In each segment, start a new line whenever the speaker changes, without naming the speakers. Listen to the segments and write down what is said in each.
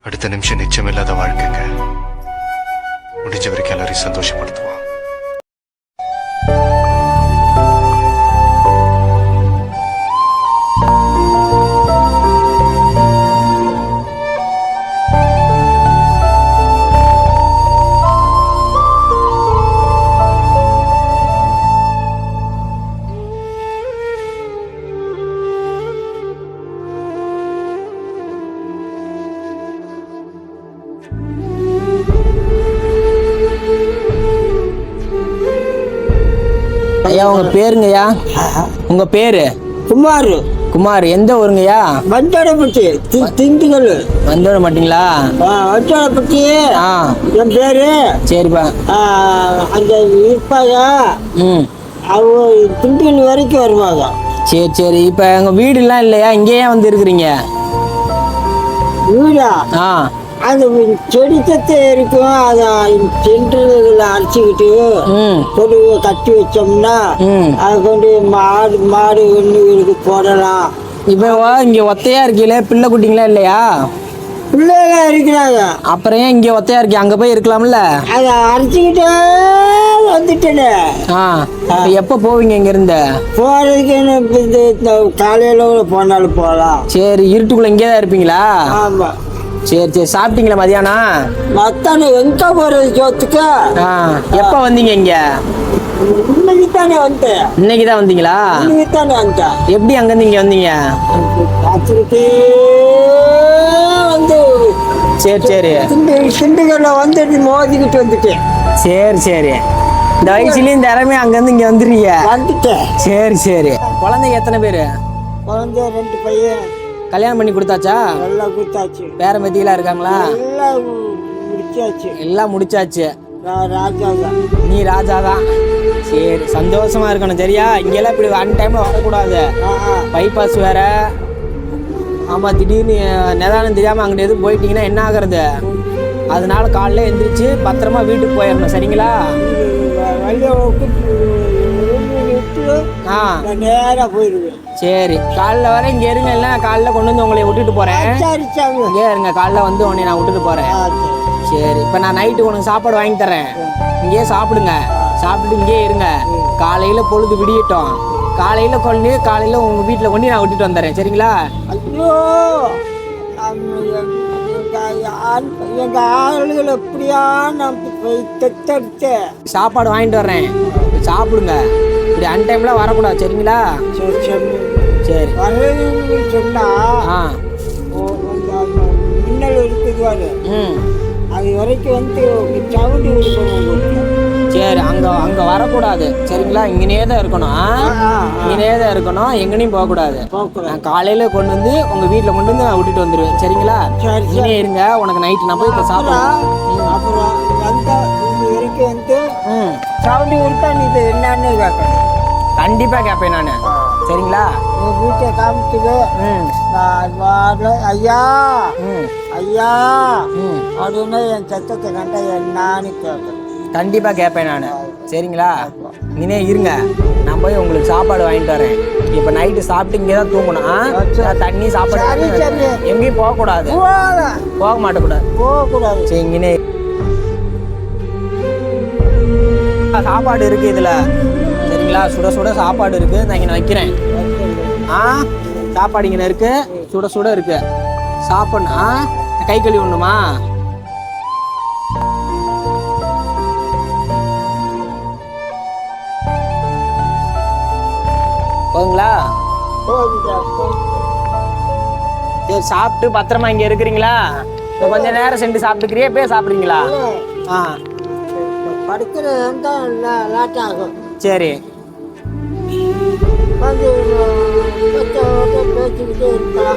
அடுத்த நிமிஷம் நிச்சயமில்லாத வாழ்க்கைங்க. முடிஞ்ச வரைக்கும் எல்லாரையும் சந்தோஷப்படுத்துவோம்.
ஐயா உங்க பேருங்கய்யா? உங்க பேரு?
குமார்.
குமார். எந்த ஊருங்கய்யா?
வந்தோடப்பட்டி, திண்டுக்கல்.
வந்தோட மாட்டீங்களா?
வந்தோடப்பட்டி. என் பேரு.
சரிப்பா.
அந்த இருப்பாங்க. அவங்க திண்டுக்கல் வரைக்கும் வருவாங்க.
சரி சரி. இப்போ எங்கள் வீடுலாம் இல்லையா? இங்கேயே வந்து இருக்கிறீங்க?
வீடா? அந்த செடி தத்தை இருக்கும். அதை சென்றுகளை அரைச்சிக்கிட்டு கொண்டு கட்டி வச்சோம்னா அதை கொண்டு மாடு ஒன்றுகளுக்கு போடலாம்.
இப்போ இங்கே ஒத்தையா இருக்கீங்களே, பிள்ளை குட்டிங்களா இல்லையா?
பிள்ளைலாம் இருக்கிறாங்க.
அப்புறம் ஏன் இங்கே ஒத்தையா இருக்கீங்க? அங்கே போய் இருக்கலாம்ல?
அதை அரைச்சிக்கிட்டே வந்துட்டேன்.
எப்போ போவீங்க இங்கேருந்து?
போகிறதுக்கு இந்த காலையில் போனாலும் போகலாம்.
சரி. இருட்டுக்குள்ளே இங்கே தான் இருப்பீங்களா?
ஆமாம்.
சரி சரி. சாப்பிட்டீங்களா மதியானம்?
மத்தானம் எங்க போறது சோத்துக்கு?
எப்போ வந்தீங்க இங்க?
இன்னைக்கு தானே வந்தேன்.
இன்னைக்கு தான் வந்தீங்களா?
இன்னைக்கு தானே வந்தேன்.
எப்படி அங்கேருந்து இங்கே வந்தீங்க?
ராத்திரிக்கே வந்து.
சரி சரி.
திண்டுக்கல்ல வந்துட்டு மோதிக்கிட்டு வந்துட்டேன்.
சரி சரி. இந்த வயசுலேயும் திறமை அங்கேருந்து இங்கே வந்துடுறீங்க?
வந்துட்டேன்.
சரி சரி. குழந்தைங்க எத்தனை பேர்?
குழந்தை 2 பையன்.
கல்யாணம் பண்ணி கொடுத்தாச்சா?
எல்லாம் கொடுத்தாச்சு.
பேர மெத்திலாம் இருக்காங்களா?
எல்லாம் முடிச்சாச்சு.
எல்லாம் முடிச்சாச்சு.
ராஜா தான்.
நீ ராஜா தான். சரி. சந்தோஷமா இருக்கணும் சரியா? இங்கெல்லாம் இப்படி ஒன் டைம்ல வரக்கூடாது. பைபாஸ் வேற. ஆமாம். திடீர்னு நிதானம் தெரியாமல் அங்கிட்ட எதுவும் போயிட்டீங்கன்னா என்ன ஆகுறது? அதனால காலைல எந்திரிச்சு பத்திரமா வீட்டுக்கு போயிடணும் சரிங்களா?
நேரா போயிடுவேன்.
சரி. காலைல வர இங்கே இருங்க. இல்லை காலைல கொண்டு வந்து உங்களை விட்டுட்டு போகிறேன். இங்கே இருங்க. காலைல வந்து உன்னை நான் விட்டுட்டு போகிறேன். சரி. இப்போ நான் நைட்டு உனக்கு சாப்பாடு வாங்கி தரேன். இங்கேயே சாப்பிடுங்க. சாப்பிட்டுட்டு இங்கேயே இருங்க. காலையில் பொழுது விடியட்டும். காலையில் உங்கள் வீட்டில் கொண்டு நான் விட்டுட்டு வந்துடுறேன் சரிங்களா?
ஐயோ, எங்க ஆளுகள் எப்படியா
சாப்பாடு வாங்கிட்டு வர்றேன். சாப்பிடுங்க. இப்படி அன்டைம்ல வரக்கூடாது சரிங்களா? சரி.
சொன்னா மின்னல் இருக்குது. அது வரைக்கும் வந்து சவுண்டு கொடுக்கணும்.
சரி. அங்கே வரக்கூடாது சரிங்களா? இங்கனே தான் இருக்கணும். எங்கனையும் போகக்கூடாது. நான் காலையில் கொண்டு வந்து உங்கள் வீட்டில் கொண்டு வந்து நான் விட்டுட்டு வந்துடுவேன் சரிங்களா? இங்கே இருங்க. உனக்கு நைட்டு நான் போய் இப்போ சாப்பிடுறேன்.
அப்புறம் வரைக்கும் வந்து சவுண்டு கொடுத்தா நீ இது என்னன்னு கேட்கணும்.
கண்டிப்பாக கேட்பேன் நான் சரிங்களா?
உங்கள் வீட்டை காமிச்சுது. ஐயா ஐயா அப்படின்னு என் சத்தத்தை கண்டா என்னன்னு கேட்கணும்.
கண்டிப்பாக கேட்பேன் நான் சரிங்களா? இங்கே இருங்க. நான் போய் உங்களுக்கு சாப்பாடு வாங்கிட்டு வரேன். இப்போ நைட்டு சாப்பிட்டு இங்கே தான் தூங்கணும். தண்ணி சாப்பாடு எங்கேயும் போகக்கூடாது. போக மாட்டேக்கூடாது. சரி. இங்கே சாப்பாடு இருக்கு இதில் சரிங்களா? சுட சுட சாப்பாடு இருக்கு. நான் இங்கே வைக்கிறேன். சாப்பாடு இங்கே இருக்கு. சுட சுட இருக்கு. சாப்பிடணும். கை கழுவி ஒண்ணுமா? போதுங்களா? சரி. சாப்பிட்டு பத்திரமா இங்க இருக்கிறீங்களா? கொஞ்ச நேரம் சென்று சாப்பிட்டுக்கிறியா? போய் சாப்பிடுறீங்களா? சரி.
பேசிக்கிட்டே இருக்கலாம்.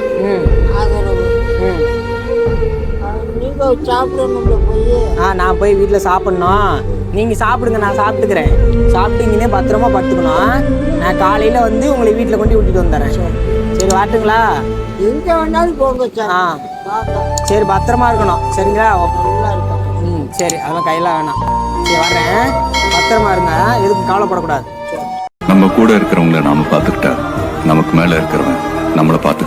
நீங்க சாப்பிடணும் போய்.
நான் போய் வீட்டில் சாப்பிடணும். நீங்கள் சாப்பிடுங்க. நான் சாப்பிட்டுக்கிறேன். சாப்பிட்டு இங்கே பத்திரமா படுத்துக்கணும். நான் காலையில் வந்து உங்களை வீட்டில் கொண்டு விட்டுட்டு வந்துடுறேன். சரி வாட்டுங்களா?
எங்க வேணாலும் போங்க.
சரி. பத்திரமா இருக்கணும் சரிங்களா? சரி. அதெல்லாம் கையில் வேணாம். சரி வர்றேன். பத்திரமா இருங்க. எதுக்கும் கவலைப்படக்கூடாது.
நம்ம கூட இருக்கிறவங்கள நாம பார்த்துக்கிட்டா நமக்கு மேல இருக்கிறவன் நம்மளை பார்த்து